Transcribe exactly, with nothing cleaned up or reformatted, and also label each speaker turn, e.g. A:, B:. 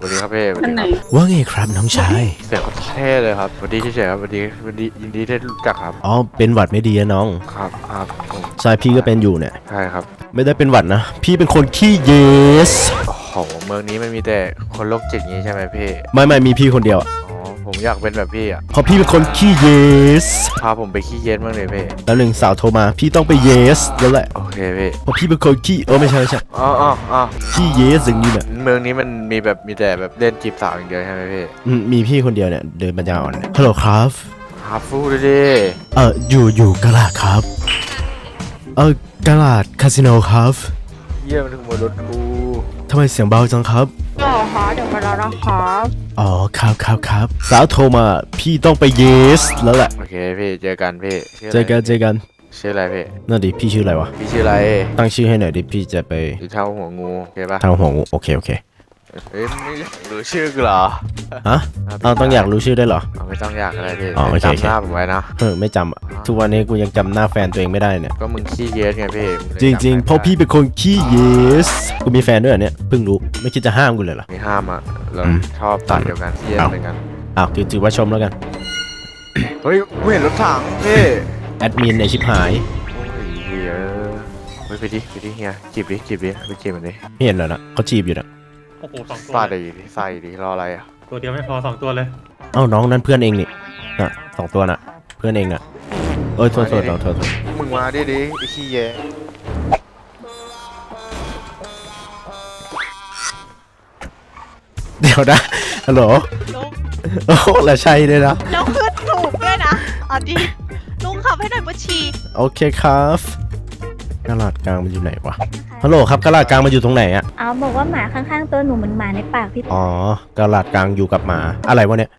A: วัสดีครับพี่สวัส
B: อัน
A: ดี
B: ไหน
A: ครับ
C: ว่าไงครับน้องชาย
A: เสียงเขาเท่เลยครับสวัสดีเฉยๆครับสวัสดีสวัสดียินดีที่รู้จักครับ
C: อ๋อเป็นหวัดไม่ดีนะน้อง
A: ครับครับผม
C: ใช่พี่ก็เป็นอยู่เนี่ย
A: ใช่ครับ
C: ไม่ได้เป็นหวัดนะพี่เป็นคนขี้เยส
A: โอ้โหเมืองนี้มันมีแต่คนโรคจิตอย่างนี้ใช่ไหมพี่
C: ไม่ไม่มีพี่คนเดียวอะ
A: อ๋อผมอยากเป็นแบบพี่อ่ะ
C: เพราะพี่เป็นคนขี้เยส
A: พาผมไปขี้เย็นบ้างเลยพี่
C: แล้วหนึ่งสาวโทรมาพี่ต้องไปเยสแล้วแหละ
A: โอเคพี่
C: เพราะพี่เป็นคนขี้เออไม่ใช่ไม่ใช่
A: อ๋ออ๋ออ๋อ
C: ขี้เยสอย่างนี้เนี่ย
A: เมืองนี้มันมีแบบมีแต่แบบเล่นจีบสาวอย่างเดียวใช่ไหมพี่
C: อืมมีพี่คนเดียวเนี่ยเดินปัญญาอ่อนเนี่ยฮัลโหลครับ
A: ฮาฟูดูดิ
C: เอออยู่อยู่กะลาดครับเออกะลาดคาสิโนครับ
A: เยี่ยมถึงหมดรถกู
C: ทำไมเสียงเบาจังครับ
B: ก็ฮะเดี๋ยวมาแล้วนะครับ
C: อ๋อครับครับครับสาวโทรมาพี่ต้องไปเยสแล้วแหละ
A: โอเคพี่เจอกันพี่ชื่ะไร
C: เจอกันเจอกัน
A: ชื่ออะไรพี่
C: นั่นดิพี่ชื่ออะไรวะ
A: พี่ชื่ออะไร
C: ตั้งชื่อให้หน่อยดิพี่จะไป
A: อยู่เท่าหัวงูโอเคปะ
C: ทางหัวงูโอเคโอเค
A: เอ้ยไม่อยากรู้ชื่อกูเหรอ
C: ฮะเอาต้องอยากรู้ชื่อได้วยเหรอ
A: เอาไม่ต้องอยากอะไรพี่
C: อ๋อโอเคโอเค
A: จำหน้าผมไว้นะ
C: เออไม่จำอะทุกวันนี้กูยังจำหน้าแฟนตัวเองไม่ได้เนี่ย
A: ก็มึงขี้เย็นไงพี่มึเลย
C: จริงๆ
A: จำ
C: เพราะพี่เป็นคนขี้เยสกูมีแฟนด้วยเหรอเนี่ยเพิ่งรู้ไม่คิดจะห้ามกูเลยเหรอ
A: ไม่ห้ามอ่ะเรา
C: อืม
A: ชอบตัดเดียวกันขี้เย็น
C: เอา
A: เหมือนกัน
C: อ้าวถือถือว่าชมแล้วกัน
A: เฮ้ยกูเห็นรถถังพี่
C: แอดมินในชิบหาย
A: โอ้ยเฮียเฮ้ยไปดิไปดิเฮียจีบดิจีบดิไปจีบมันดิ
C: ไม่เห็นเหรอนะเขาจีบอยู่นะ
D: โอ้โหสองตัว
A: ฟาด
D: เลย
A: ดิใส่ดิรออะไรอ่ะ
D: ตัวเดียวไม่พอสองตัวเลย
C: เอ้าน้องนั่นเพื่อนเองนี่น่ะสองตัวน่ะเพื่อนเองน่ะเอ้ยโทษโทษโทษโทษโทษ
A: มึงมาดิดิไอ้ขี้เย็น
C: เดี๋ยวนะฮัลโหล
E: ลุง
C: โอ้โหแล้วใช่เลยนะ
E: แล้วขึ้นถูกด้วยนะเอาดิลุงขับให้หน่อยบัญชี
C: โอเคครับกระลาดกลางมันอยู่ไหนวะฮัลโหลครับกระลาดกลางมันอยู่ตรงไหนอะ
F: เอาบอกว่าหมาข้างๆตัวหนูเหมือนหมาในปากพี่
C: อ๋อกระลาดกลางอยู่กับหมาอะไรวะเนี่ย